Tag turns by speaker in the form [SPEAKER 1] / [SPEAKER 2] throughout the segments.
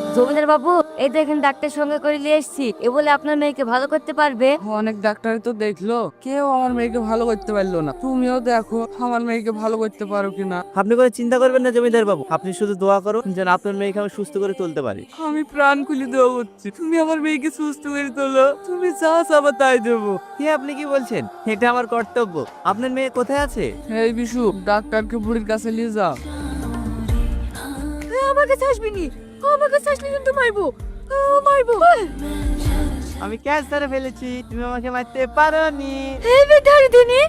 [SPEAKER 1] জমিদার বাবু, এই দেখেন ডাক্তার সঙ্গে করে নিয়ে এসেছি। এ বলে আপনার মেয়েকে ভালো করতে পারবে।
[SPEAKER 2] অনেক ডাক্তারই তো দেখলো, কেউ আমার মেয়েকে ভালো করতে পারলো না। তুমিও দেখো আমার মেয়েকে ভালো করতে পারো কিনা।
[SPEAKER 3] আপনি কোনো চিন্তা করবেন না জমিদার বাবু, আপনি শুধু দোয়া করুন যেন আপনার মেয়েকে আমি সুস্থ করে তুলতে পারি।
[SPEAKER 2] আমি প্রাণ খুলে দেওয়া করছি, তুমি আমার মেয়েকে সুস্থ করে তোলো। তুমি যা চাবা তাই দেবো।
[SPEAKER 3] কে আপনি কি বলছেন? এটা আমার কর্তব্য। আপনার মেয়ে কোথায় আছে?
[SPEAKER 2] এই বিশু, ডাক্তারকে বুড়ির কাছে নিয়ে যা।
[SPEAKER 1] আমার কাছে আসবি নি, আমার কাছে আসলে কিন্তু মারবো, মারবো।
[SPEAKER 3] আমি ক্যাচ ধরে ফেলেছি, তুমি আমাকে মারতে পারোনি।
[SPEAKER 1] এই বেটার দিনে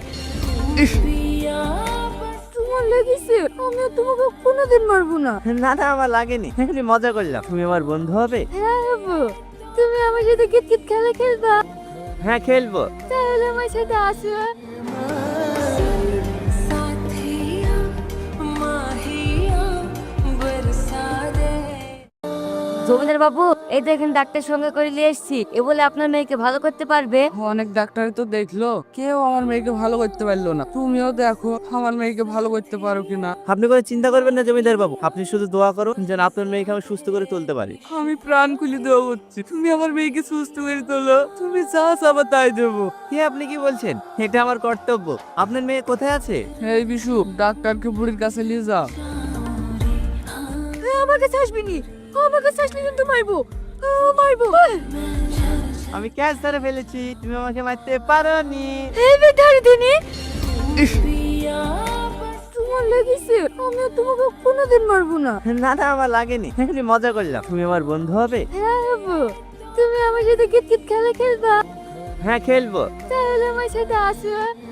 [SPEAKER 1] তোমার লেগেছে, আমি তোমাকে কোনোদিন মারবো না।
[SPEAKER 3] না না, আমার লাগেনি, এমনি মজা করলাম। তুমি আমার বন্ধু হবে?
[SPEAKER 1] হ্যাঁ বাবু, তুমি আমার সাথে কিতকিত খেলা খেলবা?
[SPEAKER 3] হ্যাঁ, খেলবো।
[SPEAKER 1] তাহলে আমার সাথে আসো। জমিদার বাবু, এই দেখেন ডাক্তার সঙ্গে করে নিয়ে এসেছি। এ বলে আপনার মেয়েকে ভালো করতে পারবে।
[SPEAKER 2] অনেক ডাক্তারই তো দেখলো, কেউ আমার মেয়েকে ভালো করতে পারলো না। তুমিও দেখো আমার মেয়েকে ভালো করতে পারো কিনা।
[SPEAKER 3] আপনি কোনো চিন্তা করবেন না জমিদার বাবু, আপনি শুধু দোয়া করুন যেন আপনার মেয়েকে আমি সুস্থ করে তুলতে পারি।
[SPEAKER 2] আমি প্রাণ খুলে দেওয়া করছি, তুমি আমার মেয়েকে সুস্থ করে তোলো। তুমি যা চাবা তাই দেবো।
[SPEAKER 3] কে আপনি কি বলছেন? এটা আমার কর্তব্য। আপনার মেয়ে কোথায় আছে?
[SPEAKER 2] এই বিশু, ডাক্তারকে বুড়ির কাছে নিয়ে যা।
[SPEAKER 1] আমার কাছে আসবি নি, আমার কাছে আসলে কিন্তু মারবো, মারবো।
[SPEAKER 3] আমি ক্যাচ ধরে ফেলেছি, তুমি আমাকে মারতে পারোনি।
[SPEAKER 1] এই বেটার দিনে তোমার লেগেছে, আমি তোমাকে কোনোদিন মারবো না।
[SPEAKER 3] না না, আমার লাগেনি, এমনি মজা করলাম। তুমি আমার বন্ধু হবে?
[SPEAKER 1] হ্যাঁ বাবু, তুমি আমার সাথে কিতকিত খেলা খেলবা?
[SPEAKER 3] হ্যাঁ, খেলবো।
[SPEAKER 1] তাহলে আমার সাথে আসো।